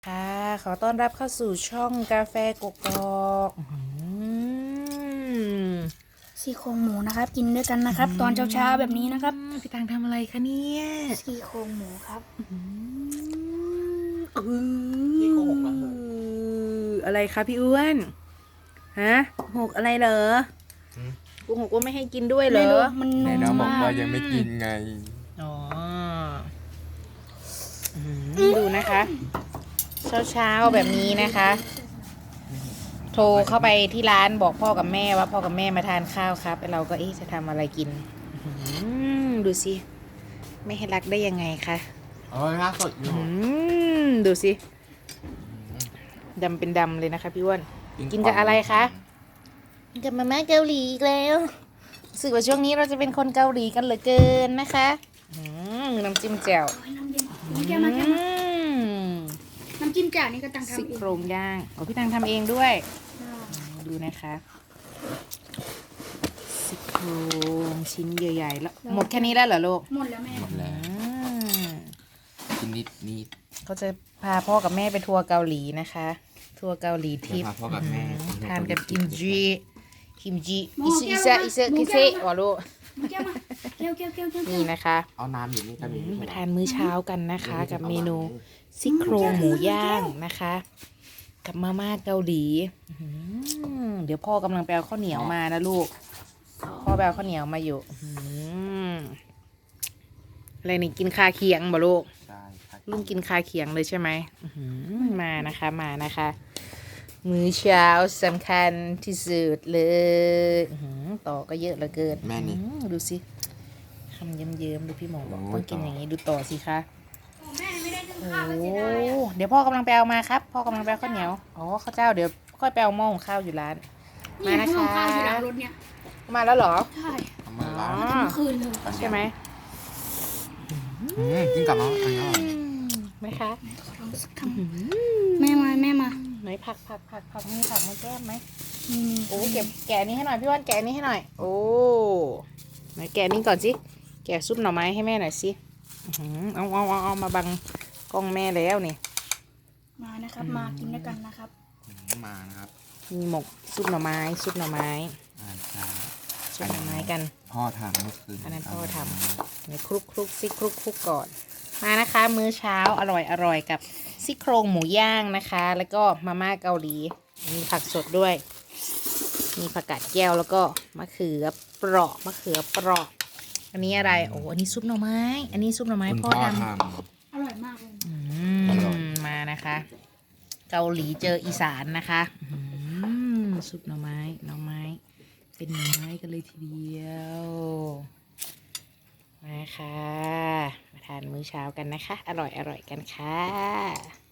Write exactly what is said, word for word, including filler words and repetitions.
ค่ะขอต้อนรับเข้าสู่ช่องกาแฟกกอกซี่โครงหมูนะครับกินด้วยกันนะครับ ตอนเช้าๆแบบนี้นะครับพี่ตังทำอะไรคะเนี่ยซี่โครงหมูครับพี่โกหกแล้วอะไรคะพี่อ้วนฮะหกอะไรเหรอโกหกว่าไม่ให้กินด้วยเหรไม่อรู้มันไหนนุ่น้องมบอกมาว่าก ยังไม่กินไงอ๋ออืมดูนะคะ เช้าๆแบบนี้นะคะ โทรเข้าไปที่ร้านบอกพ่อกับแม่ว่าพ่อกับแม่มาทานข้าวครับแล้วเราก็เอ๊ะจะทำอะไรกินอื้อหือดูสิไม่ให้รักได้ยังไงคะอ๋อล่าสดอยู่อื้อหือดูสิดำเป็นดำเลยนะคะพี่อ้วนกินกับอะไรคะกินกับมาม่าเกาหลีอีกแล้วรู้สึกว่าช่วงนี้เราจะเป็นคนเกาหลีกันเหลือเกินนะคะอื้อหือน้ำจิ้มแจ่วโอ้ยน้ำเย็นน้ำแก้วมาแก้วมาอืมน้ำจิ้มจ่านี่ก็ตังซี่ทำเองโครงย่างโอ้พี่ตังทำเองด้วยดูนะคะซี่โครงชิ้นใหญ่ๆแล้วหมดแค่นี้แล้วเหรอลูกหมดแล้วแม่หมดแล้วอืมกินนิดนิดเขาจะพาพ่อกับแม่ไปทัวร์เกาหลีนะคะ ทัวร์เกาหลีทิพพาย์พ่อกับแม่ทานกับกิมจิกิมจิอิซึอิซะอิซึกิเซะวะลูกมาแก้วมาแก้วแก้วแก้วแก้วนี่นะคะเอาน้ำอยู่นี่กันอืมมาทานมื้อเช้ากันนะคะ กับเมนูซี่โครงหมูย่างนะคะ กับมาม่าเกาหลีอื้อหือเดี๋ยวพ่อกำลังไปเอาข้าวเหนียวมานะลูก พ่อไปเอาข้าวเหนียวมาอยู่อื้อหืออะไรนี่กินคาเคียงบ่ลูกใช่ครับลุงกินคาเคียงเลยใช่ไหมอื้อหือมานะคะมานะคะ มื้อเช้าสำคัญที่สุดเลยอื้อหือต่อก็เยอะเหลือเกินแม่นี่อื้อหือดูสิคำเยิ้มๆดูพี่หมอบอกโอ้ยต้องกินต่อออย่างนี้ดูต่อสิคะแม่ไม่ได้นึ่งโอ้ข้าวเลยเสียดายอะเดี๋ยวพ่อกำลังไปเอามาครับ พ่อกำลังไปเอาข้าวเหนียวอ๋อข้าวเจ้าเดี๋ยวค่อยไปเอาหม้อหุงข้าวอยู่ร้านนี่มานะข้าวคะอยู่หลังรถเนี่ยมาแล้วเหรอใช่เอามาล้างอ๋อเมื่อคืนเลยใช่ไหมอืมกินกับน้องอันนี้อร่อยไหมคะลองสักคำแม่มาแม่มาไหนผักผักผักผักมีผักมาแก้มไหมนี่โอ้เก็บแกะนี้ให้หน่อยพี่ว่านแกะนี้ให้หน่อย โอ้ไหนแกะนี้ก่อนสิแกะซุปหน่อไม้ให้แม่หน่อยสิอื้อหือเอาเอาเอาเอามาบังกล้องแม่แล้วนี่มานะครับมากินด้วยกันนะครับมานะครับมีหมกซุปหน่อไม้ซุปหน่อไม้อ่าใช่ซุปหน่อไม้กันพ่อทำเมื่อคืนอันนั้นพ่อทำ ในคลุกคลุกซิคลุกคลุกก่อน มานะคะ มื้อเช้าอร่อยอร่อยกับซี่โครงหมูย่างนะคะ แล้วก็มาม่าเกาหลี มีผักสดด้วย มีผักกาดแก้วแล้วก็มะเขือเปราะมะเขือเปราะอันนี้อะไรโอ้อันนี้ซุปหน่อไม้ อันนี้ซุปหน่อไม้คุณพ่อพ่อททอร่อยมากเลยำอือร่อยมมานะคะ เกาหลีเจออีสานนะคะอืมซุปหน่อไม้หน่อไม้ เป็นหน่อไม้กันเลยทีเดียวมาค่ะมาทานมื้อเช้ากันนะคะ อร่อยอร่อยกันค่ะ